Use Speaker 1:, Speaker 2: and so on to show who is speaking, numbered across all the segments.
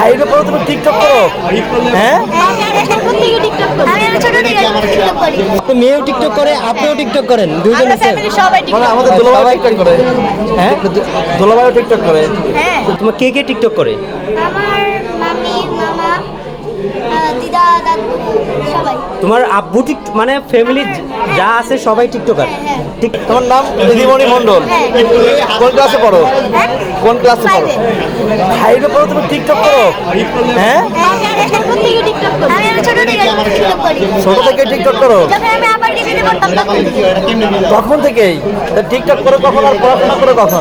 Speaker 1: ফাইভে পড়ো তুমি টিকটক করো? হ্যাঁ, আপনি মেয়েও টিকটক করে, আপনিও টিকটক করেন, দুইজন আছেন? মানে আমাদের দুলাভাই টিকটক করে। হ্যাঁ, দুলাভাইও টিকটক করে। তোমার কে কে টিকটক করে?
Speaker 2: আমার মামি, মামা, দিদা, দাদু সবাই।
Speaker 1: তোমার আব্বু মানে ফ্যামিলি যা আছে সবাই টিকটকার?
Speaker 2: হ্যাঁ।
Speaker 1: ঠিক। তোমার নাম দিদিমণি মণ্ডল। কোন ক্লাসে পড়ো? কোন ক্লাসে পড়ো? ফাইভে পড়ো তুমি টিকটক করো? হ্যাঁ, ছোট থেকে টিকটক করো? তখন থেকেই টিকটক করো কখন আর পড়াশোনা করো কখন?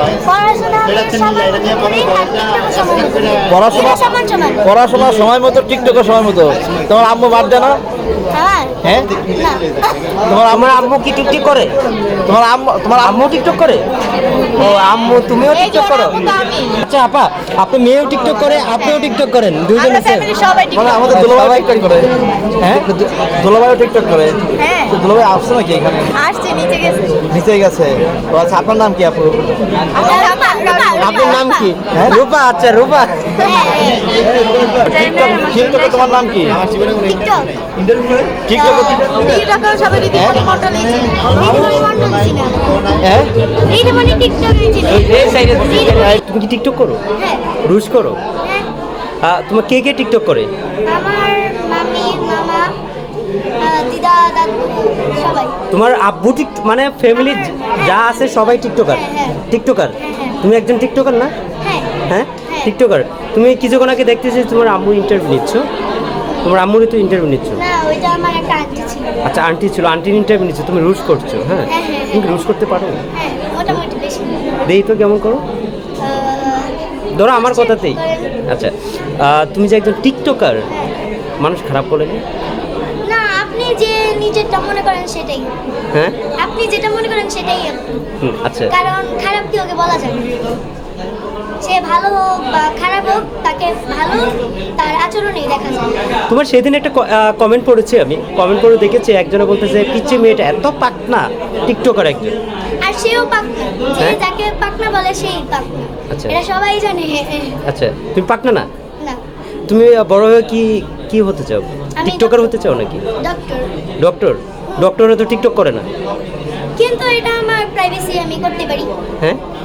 Speaker 1: পড়াশোনার সময় মতো টিকটকের সময় মতো। তোমার আম্মু বাদ দেয় না? হ্যাঁ, তোমার আম্মু কি টিকটক করে? তোমার আম্মু টিকটক করে? ও আম্মু, তুমিও টিকটক করো? আচ্ছা আপা, আপনি মেয়েও টিকটক করে, আপনিও টিকটক করেন, দুইজন আছেন? মানে আমাদের দুলাভাই টিকটক করে। হ্যাঁ, দুলাভাইও টিকটক করে। দুলাভাই আসছে নাকি এখানে? নিচে গেছে। ও আচ্ছা, আপনার নাম কি আপু? আপনার নাম কি? হ্যাঁ, রূপা। আচ্ছা রূপা, টিকটকে তোমার নাম কি? তুমি কি টিকটক করো? রুশ করো? তোমার কে কে টিকটক করে?
Speaker 2: আমার মামি, মামা, দিদা, দাদু সবাই।
Speaker 1: তোমার আব্বু মানে ফ্যামিলি যা আছে সবাই টিকটকার? টিকটকার? তুমি একজন টিকটকার না? হ্যাঁ, টিকটকার। তুমি কিছুক্ষণ আগে দেখতেছি তোমার আম্মু ইন্টারভিউ নিচ্ছ। তোমার আম্মুরই তো ইন্টারভিউ নিচ্ছ?
Speaker 2: না, ওইটা আমার একটা আন্টি ছিল।
Speaker 1: আচ্ছা, আন্টি ছিল, আন্টির ইন্টারভিউ নিচ্ছ, তুমি রুশ করছো? হ্যাঁ, তুমি রুশ করতে পারো?
Speaker 2: হ্যাঁ, মোটামুটি বেশি।
Speaker 1: দেই তো কেমন করো, ধরো আমার কথাতেই। আচ্ছা, তুমি যে একজন টিকটকার, মানুষ খারাপ বলেনি?
Speaker 2: না, আপনি যে নিজেরটা মনে করেন সেটাই।
Speaker 1: হ্যাঁ,
Speaker 2: আপনি যেটা মনে করেন সেটাই।
Speaker 1: আচ্ছা।
Speaker 2: কারণ খারাপ কি ওকে বলা যায় না। সে ভালো হোক বা খারাপ হোক, তাকে ভালো তার আচরণেই দেখা যায়।
Speaker 1: তোমার সেদিন একটা কমেন্ট পড়েছি, আমি কমেন্ট করে দেখেছি, একজনে বলতেছে পিচ্চি মেয়েটা এত পাকনা, টিকটকার একজন।
Speaker 2: আর সেও পাকনা, যে যাকে পাকনা বলে সেই পাকনা।
Speaker 1: আচ্ছা,
Speaker 2: এটা সবাই জানে।
Speaker 1: আচ্ছা, তুমি পাকনা না?
Speaker 2: না।
Speaker 1: তুমি বড় হয়ে কি হতে চাও? টিকটকার হতে চাও নাকি?
Speaker 2: ডক্টর।
Speaker 1: ডক্টর? ডক্টররা তো টিকটক করে না।
Speaker 2: কিন্তু এটা আমার প্রাইভেসি, আমি করতে পারি।
Speaker 1: হ্যাঁ,